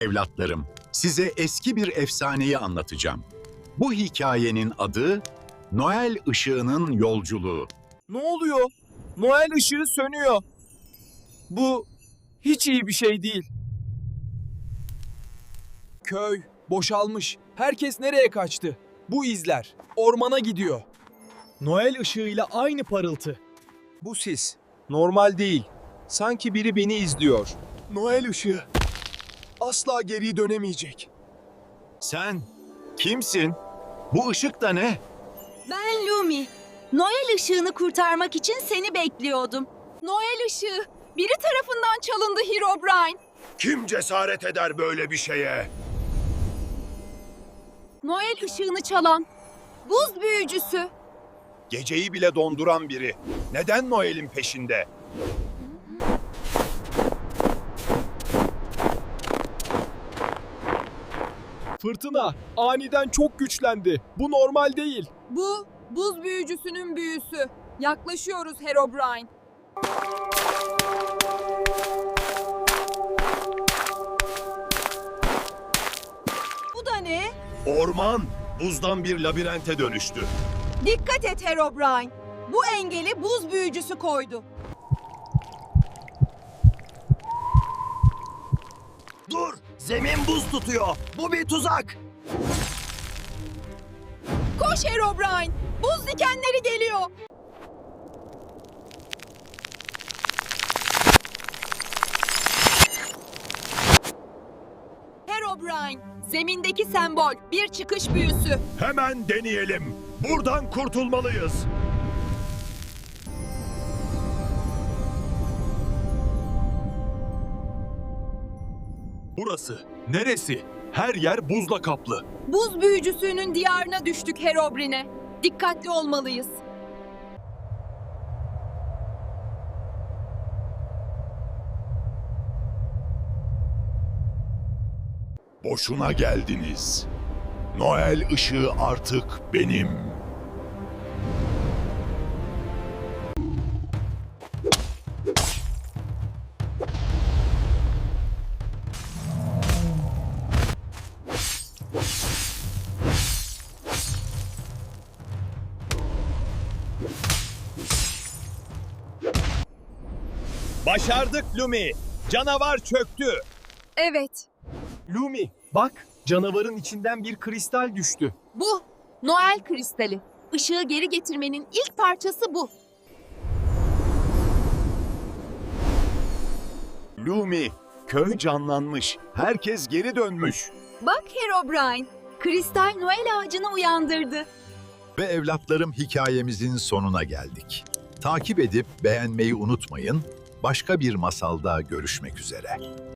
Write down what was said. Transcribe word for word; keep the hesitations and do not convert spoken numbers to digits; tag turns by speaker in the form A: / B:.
A: Evlatlarım, size eski bir efsaneyi anlatacağım. Bu hikayenin adı Noel Işığının Yolculuğu.
B: Ne oluyor? Noel ışığı sönüyor. Bu hiç iyi bir şey değil. Köy boşalmış. Herkes nereye kaçtı? Bu izler ormana gidiyor.
C: Noel ışığıyla aynı parıltı.
B: Bu sis normal değil. Sanki biri beni izliyor.
C: Noel ışığı asla geri dönemeyecek.
A: Sen kimsin? Bu ışık da ne?
D: Ben Lumi. Noel ışığını kurtarmak için seni bekliyordum. Noel ışığı biri tarafından çalındı Herobrine.
E: Kim cesaret eder böyle bir şeye?
D: Noel ışığını çalan buz büyücüsü.
E: Geceyi bile donduran biri. Neden Noel'in peşinde?
C: Fırtına aniden çok güçlendi. Bu normal değil.
D: Bu buz büyücüsünün büyüsü. Yaklaşıyoruz Herobrine. Bu da ne?
E: Orman buzdan bir labirente dönüştü.
D: Dikkat et Herobrine. Bu engeli buz büyücüsü koydu.
E: Dur! Zemin buz tutuyor. Bu bir tuzak.
D: Koş Herobrine. Buz dikenleri geliyor. Herobrine, zemindeki sembol, bir çıkış büyüsü.
E: Hemen deneyelim. Buradan kurtulmalıyız.
C: Burası neresi? Her yer buzla kaplı.
D: Buz büyücüsünün diyarına düştük Herobrine. Dikkatli olmalıyız.
E: Boşuna geldiniz. Noel ışığı artık benim.
B: Başardık Lumi. Canavar çöktü.
D: Evet,
C: Lumi bak, canavarın içinden bir kristal düştü.
D: bu Noel kristali. Işığı geri getirmenin ilk parçası bu.
E: Lumi, köy canlanmış. Herkes geri dönmüş.
D: Bak Herobrine, kristal Noel ağacını uyandırdı.
A: Ve evlatlarım, hikayemizin sonuna geldik. Takip edip beğenmeyi unutmayın. Başka bir masalda görüşmek üzere.